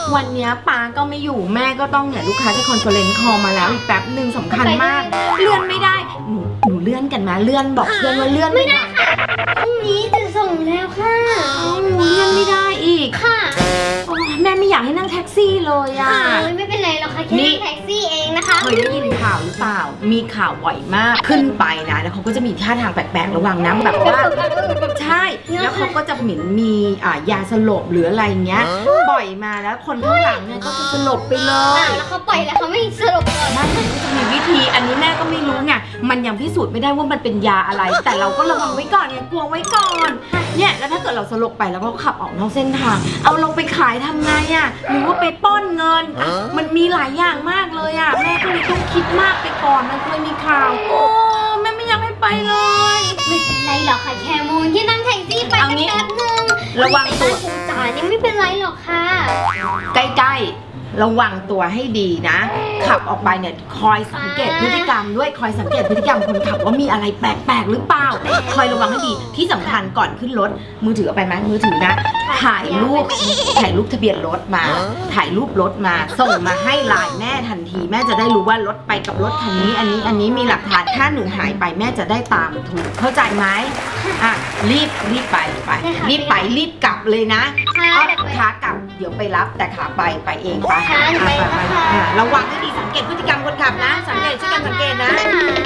วันนี้ป้าก็ไม่อยู่แม่ก็ต้องเนี่ยลูกค้าจะคอนเฟอเรนซ์คอลมาแล้วอีกแป๊บหนึ่งสำคัญมากเลื่อนไม่ได้หนูเลื่อนกันมาเลื่อนบอกเพื่อนว่าเลื่อนไม่ได้พรุ่งนี้จะส่งแล้วค่ะหนูเลื่อนไม่ได้อีกค่ะแม่ไม่อยากให้นั่งแท็กซี่เลยอ่ะไม่เป็นไรหรอกค่ะแค่นั่งแท็กซี่เองนะคะเคยได้ยินข่าวหรือเปล่ามีข่าวบ่อยมากขึ้นไปนะแล้วเขาก็จะมีท่าทางแปลกๆระวังนะแบบว่าใช่แล้วเขาก็จะเหมือนมียาสลบหรืออะไรเงี้ยปล่อยมาแล้วคนข้างหลังเนี่ยก็จะสลบไปเลยแล้วเขาปล่อยแล้วเขาไม่สลบก่อนมันจะมีวิธีอันนี้แม่ก็ไม่รู้ไงมันยังพิสูจน์ไม่ได้ว่ามันเป็นยาอะไรแต่เราก็ระวังไว้ก่อนเนี่ยกลัวไว้ก่อนเนี่ยแล้วถ้าเกิดเราสลบไปแล้วก็ขับออกนอกเส้นทางเอาลงไปขายทำไงอ่ะหรือว่าไปป้อนเงินมันมีหลายอย่างมากเลยอ่ะแม่ก็เลยต้องคิดมากไปก่อนมันเคยมีข่าวโอ้แม่ไม่อยากให้ไปเลยไม่เป็นไรหรอกค่ะแคมูนที่นั่งแท็กซี่ไปแป๊บนึงระวังตัวจ่านี่ไม่เป็นไรหรอกค่ะใกล้ๆระวังตัวให้ดีนะขับออกไปเนี่ยคอยสังเกตพฤติกรรมด้วยคอยสังเกตพฤติกรรมคนขับว่ามีอะไรแปลกๆหรือเปล่าคอยระวังให้ดีที่สำคัญก่อนขึ้นรถมือถือเอาไปไหมมือถือนะถ่ายรูปทะเบียนรถมาถ่ายรูปรถมาส่งมาให้ไลน์แม่ทันทีแม่จะได้รู้ว่ารถไปกับรถคันนี้อันนี้มีหลักฐานถ้าหนูหายไปแม่จะได้ตามถูกเข้าใจไหมอ่ะรีบไปรีบกลับเลยนะขากลับเดี๋ยวไปรับแต่ขาไปเองไประวังให้ดีสังเกตพฤติกรรมคนขับนะสังเกตช่วยกันสังเกตนะ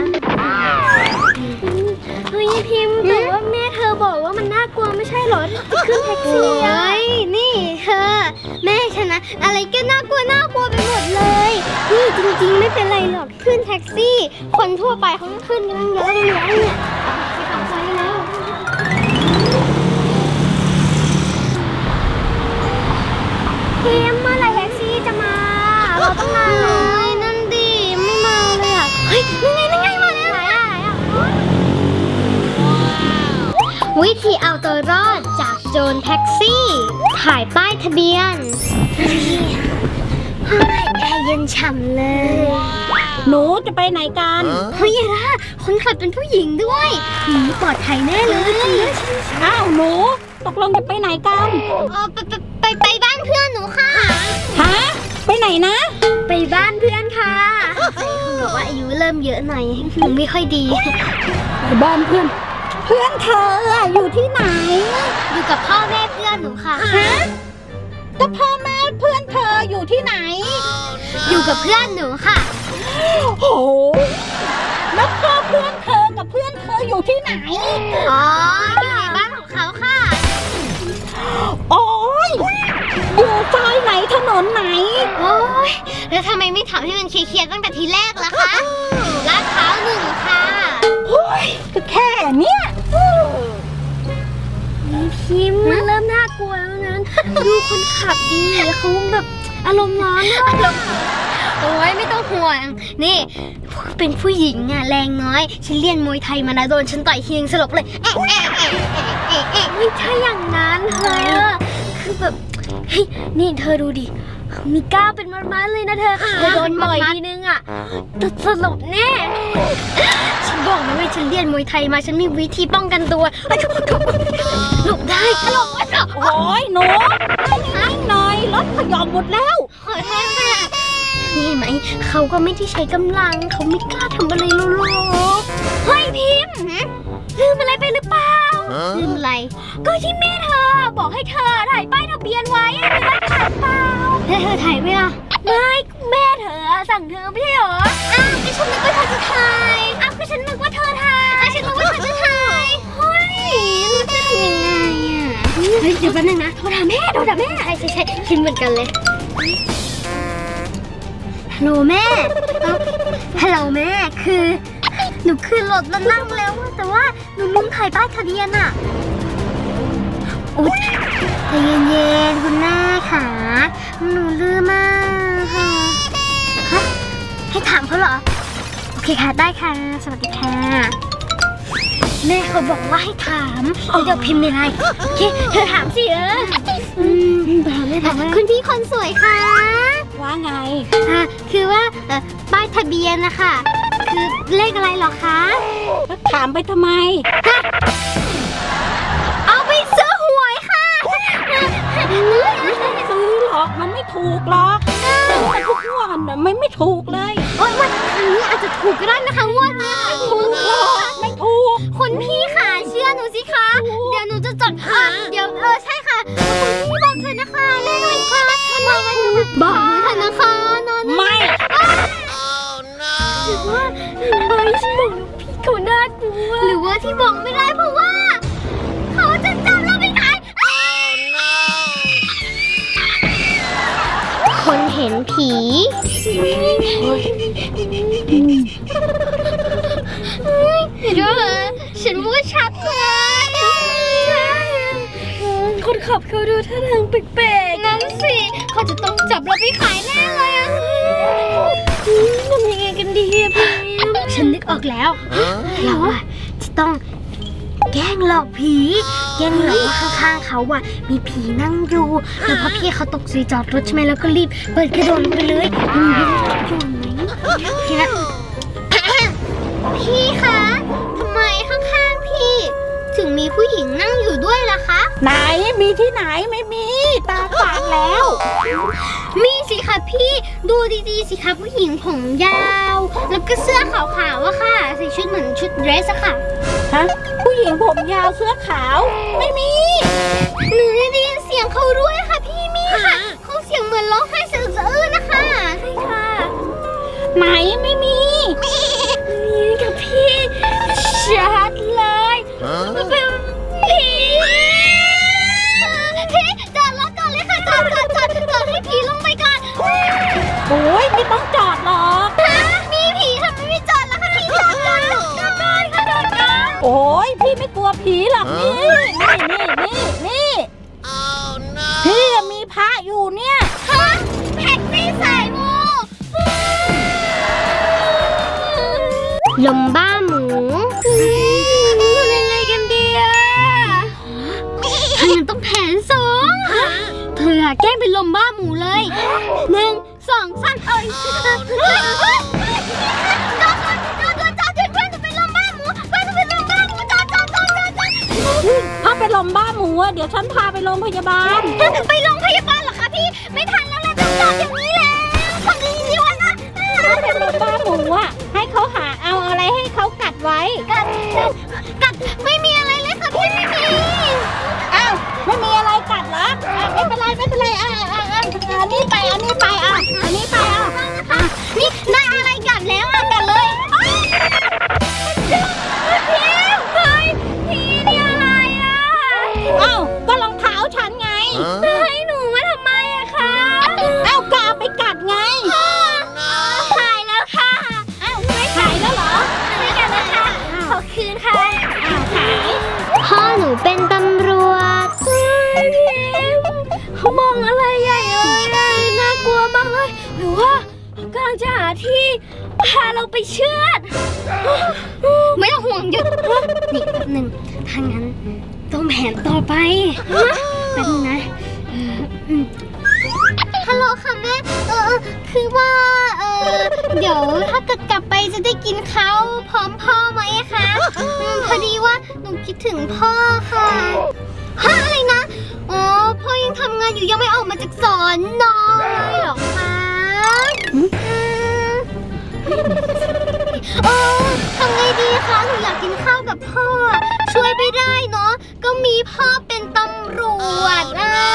เฮ้ยพิมพ์แต่ว่าแม่เธอบอกว่ามันน่ากลัวไม่ใช่หรอจะขึ้นแท็กซี่เฮ้ยนี่เธอแม่ฉันนะอะไรก็น่ากลัวไปหมดเลยนี่จริงๆไม่เป็นไรหรอกขึ้นแท็กซี่คนทั่วไปเขาก็ขึ้นกันเยอะเลยเนี่ยไปขับไปแล้วพิมพ์เมื่อไหร่แท็กซี่จะมาเราต้องมาเลยนั่นดิไม่มาเลยอ่ะเฮ้ยนั่นไงมาแล้ววิธีเอาตัวรอดจากโจรแท็กซี่ถ่ายป้ายทะเบียนแอร์เย็นฉ่ำเลยหนูจะไปไหนกันเฮ้ยล่ะคนขับเป็นผู้หญิงด้วยปลอดภัยแน่เลยอ้าวหนูตกลงจะไปไหนกันไปบ้านเพื่อนหนูค่ะฮะไปไหนนะไปบ้านเพื่อนค่ะคุณบอกว่าอายุเริ่มเยอะหน่อยหนูไม่ค่อยดีไปบ้านเพื่อนเธออยู่ที่ไหนอยู่กับพ่อแม่เพื่อนหนูค่ะฮะก็พ่อแม่เพื่อนเธออยู่ที่ไหนอยู่กับเพื่อนหนูค่ะโอ้แล้วพ่อเพื่อนเธอกับเพื่อนเธออยู่ที่ไหนอ๋ออยู่ในบ้านของเขาค่ะโอ้ยอยู่ซอยไหนถนนไหนโอ้ยแล้วทำไมไม่ถามให้มันเคลียร์ตั้งแต่ทีแรกล่ะคะลาดพร้าว1ค่ะโอ้ยก็แค่เนี้ยพิมพ์มันเริ่มน่ากลัวแล้วนั้นดูคนขับดีเขาแบบอารมณ์ร้อนมากโอ้ยไม่ต้องห่วงนี่เป็นผู้หญิงอ่ะแรงน้อยฉันเรียนมวยไทยมานะโดนฉันต่อยทีนึงสลบเลยไม่ใช่อย่างนั้นเธอคือแบบเฮ้ยนี่เธอดูดิมีก้าวเป็นมัดๆเลยนะเธอโดนต่อยทีนึงอ่ะสลบแน่ฉันบอกนะว่าฉันเรียนมวยไทยมาฉันมีวิธีป้องกันตัวหลบได้หลบไม่หลบโอ้ยหนูนิ่งหน่อยรถขยอมหมดแล้วขอโทษค่ะนี่เห็นไหมเขาก็ไม่ได้ใช้กำลังเขาไม่กล้าทำอะไรโลๆเฮ้ยพิมพ์ลืมอะไรไปหรือเปล่าลืมอะไรก็ที่แม่เธอบอกให้เธอถ่ายป้ายทะเบียนไว้เธอได้ถ่ายเปล่าเธอถ่ายไหมล่ะไม่แม่เธอสั่งเธอไม่ใช่เหรออ้าวก็ฉันนึกว่าเธอจะถ่ายอ้าวก็ฉันนึกว่าเธอถ่ายฉันนึกว่าเธอจะถ่ายเฮ้ยมันจะทำยังไงอ่ะเฮ้ยเดี๋ยวแป๊บนึงนะโทรถามแม่ใช่คิดเหมือนกันเลยฮัลโหลแม่ฮัลโหลแม่คือหนูขึ้นรถแล้วนั่งแล้วแต่ว่าหนูลืมถ่ายป้ายทะเบียนอ่ะอุ๊ยใจเย็นๆคุณแม่ค่ะหนูลืมมากค่ะฮะให้ถามเขาเหรอโอเคค่ะได้ค่ะสวัสดีค่ะแม่เขาบอกว่าให้ถามเดี๋ยวพิมพ์ในไลน์โอเคเธอถามสิถามคุณพี่คนสวยค่ะว่าไงคือว่าป้ายทะเบียนนะคะคือเลขอะไรหรอคะถามไปทำไมเอาไปซื้อหวยค่ะซื้อเหรอกมันไม่ถูกหรอกแต่ทุกงวดน่ะมันไม่ถูกเลยโอ๊ยวันครั้งนี้อาจจะถูกก็ได้นะคะงวดนี้ค่ะคุณไม่ถูกคุณพี่ค่ะเชื่อหนูสิคะเดี๋ยวหนูจะจดเดี๋ยวใช่ค่ะคุณพี่บอกเธอนะคะแน่นอนค่ะบอกเธอนะคะนอนไม่หรือว่าฉันบอกพี่เขาน่ากลัวหรือว่าที่บอกไม่ได้เพราะว่าเขาจะจับเราไปขายคนเห็นผีเดี๋ยวฉันว่าชัดเลยคนขับเขาดูท่าทางแปลกๆนั่นสิเขาจะต้องจับเราไปขายแน่เลยอะทำยังไงกันดีอะพี่ฉันนึกออกแล้วเราอะจะต้องแกล้งหลอกผีแกล้งหลอกว่าข้างๆเขาอะมีผีนั่งอยู่แล้วพอพี่เขาตกสีจอดรถใช่ไหมแล้วก็รีบเปิดกระโดดลงไปเลยมีพี่อยู่ไหมพี่นะพี่คะทำไมข้างๆพี่ถึงมีผู้หญิงนั่งอยู่ด้วยล่ะคะไหนมีที่ไหนไม่มีตาฝาดแล้วมีสิคะพี่ดูดีๆสิคะผู้หญิงผมยาว แล้วก็เสื้อขาวๆอะค่ะใส่ชุดเหมือนชุดเดรสอะค่ะฮะผู้หญิงผมยาวเสื้อขาวไม่มีหนูได้ยินเสียงเขาด้วยค่ะพี่มีค่ะเขาเสียงเหมือนร้องไห้สะอึกสะอื้นนะคะใช่ค่ะไหนไม่มีนี่กับพี่ชัดเลยเป็นผีพี่จอดรถก่อนเลยค่ะจอดให้ผีลงไปก่อนโอ้ยไม่ต้องจอดหรอกมีผีทำไมไม่จอดล่ะคะพี่จอดก่อนค่ะจอดก่อนโอ้ยพี่ไม่กลัวผีหรอกนี่นี่พี่มีพระอยู่เนี่ยฮะแพ็กซี่สายมูลมบ้าหมูทำยังไงกันดีอะถ้างั้นต้องแผนสองเธออะแกล้งเป็นลมบ้าหมูเลย1 2 3จอดเพื่อนจะเป็นลมบ้าหมูจอดถ้าเป็นลมบ้าหมูอะเดี๋ยวฉันพาไปโรงพยาบาลไปโรงพยาบาลเหรอคะพี่ไม่ทันแล้วแหละต้องจอดอย่างนี้แล้วทำดีๆวะนะถ้าเป็นลมบ้าหมูอะให้เขาหาเอาอะไรให้เขากัดไว้กัดไม่มีอะไรเลยค่ะพี่ไม่มีอ้าวไม่มีอะไรกัดเหรอไม่เป็นไรอันนี้ไปอ่ะนี่ได้อะไรกัดแล้วอ่ะกัดเลยพี่นี่อะไรอ่ะอ้าวก็รองเท้าฉันไงให้หนูมาทำไมอะคะอ้าวกาไปกัดไงหายแล้วค่ะอ้าวไม่หายแล้วเหรอไม่กัดแล้วค่ะขอคืนค่ะอ้าวหายพ่อหนูเป็นตำรวจเขามองอะไรใหญ่เลยน่ากลัวมากเลยหรือว่ากำลังจะหาที่พาเราไปเชือด ไม่ต้องห่วงหยุดนี่แป๊บหนึ่งถ้างั้นต้องแผนต่อไปแป๊บนึงนะฮัลโหลค่ะแม่คือว่าเดี๋ยวถ้าเกิดกลับไปจะได้กินข้าวพร้อมพ่อไหมคะพอดีว่าหนูคิดถึงพ่อค่ะฮะอะไรนะอ๋อพ่อยังทำงานอยู่ยังไม่ออกมาจากสอนนอเลยเหรอคะทำไงดีคะหนูอยากกินข้าวกับพ่อช่วยไม่ได้เนาะก็มีพ่อเป็นตำรวจ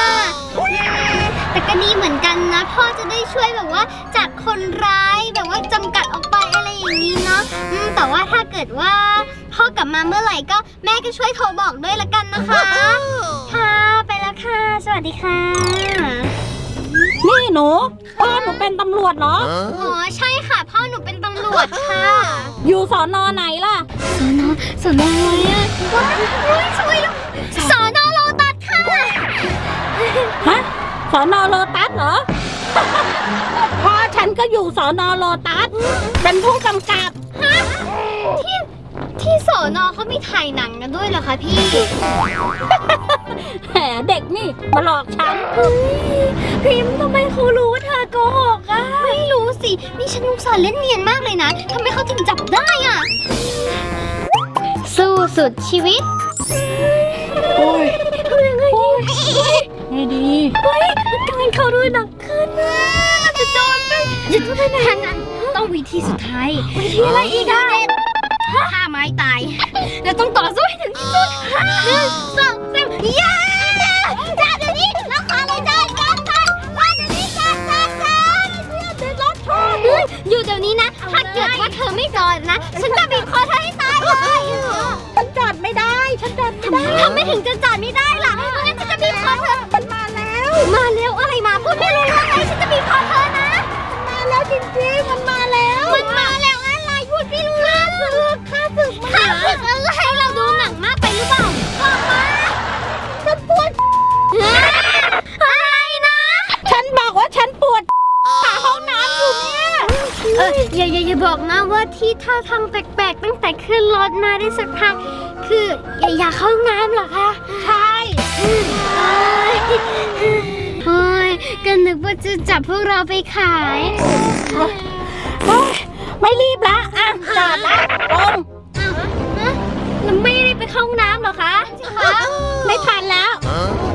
แต่ก็ดีเหมือนกันนะพ่อจะได้ช่วยแบบว่าจับคนร้ายแบบว่าจำกัดออกไปอะไรอย่างนี้เนาะแต่ว่าถ้าเกิดว่าพ่อกลับมาเมื่อไหร่ก็แม่ก็ช่วยโทรบอกด้วยละกันนะคะค่ะไปแล้วค่ะสวัสดีค่ะนี่หนูพ่อหนูเป็นตำรวจเหรออ๋อใช่ค่ะพ่อหนูเป็นตำรวจค่ะอยู่สอนอไหนล่ะสอนออะไรอ่ะว้ายช่วยแล้วสอนอโลตัสค่ะฮะสอนอโลตัสเหรอ พ่อฉันก็อยู่สอนอโลตัสเป็นผู้กำกับที่สอนอเขามีถ่ายหนังกันด้วยเหรอคะพี่แหมเด็กนี่มาหลอกฉันพิมพ์ทำไมเขารู้ว่าเธอโกหกอ่ะไม่รู้สินี่ฉันอุตส่าห์เล่นเนียนมากเลยนะทำไมเขาถึงจับได้อ่ะสู้สุดชีวิตโอ้ยทำยังไงดีไงดีเฮ้ยมันกลายงั้นเขาด้วยหนักขึ้นนะเราจะโดนไปจะโดนไปไหนทางนั้นต้องวิธีสุดท้ายวิธีอะไรอีกอะฆ่าไม้ตายเราต้องต่อสู้ให้ถึงที่สุด1 2 3ย่าจ้าเดี๋ยวนี้เราขอเลยจ้าจ้าเดี๋ยวนี้จ้าอยู่เดี๋ยวนี้นะ ถ้าเกิดว่าเธอไม่จอดนะ ฉันจะบีบคอเธอให้ตายเลยฉันจอดไม่ได้ ฉันจอดไม่ได้ทำไมถึงจะจอดไม่ได้ล่ะงั้นฉันจะบีบคอเธอมันมาแล้วมาเร็วอะไรมาพูดไม่รู้เรื่องเลยฉันจะบีบคอเธอนะมาแล้วจริงๆ มันมาแล้วมันมาแล้วอะไรพูดไม่รู้เรื่องข้าศึกอะไรเราดูหนังมากไปหรือเปล่าบอกมาฉันปวดอะไรนะฉันบอกว่าฉันปวดขาห้องน้ำอยู่เนี่ยอย่าบอกนะว่าที่ท่าทางแปลกๆตั้งแต่ขึ้นรถมาได้สักพักคืออยากเข้าห้องน้ำเหรอคะใช่โอ้ยก็นึกว่าจะจับพวกเราไปขายโอ๊ยไม่รีบละอ่ะจอดละลงแล้วไม่ได้ไปเข้าห้องน้ำเหรอคะไม่ทันแล้วฮ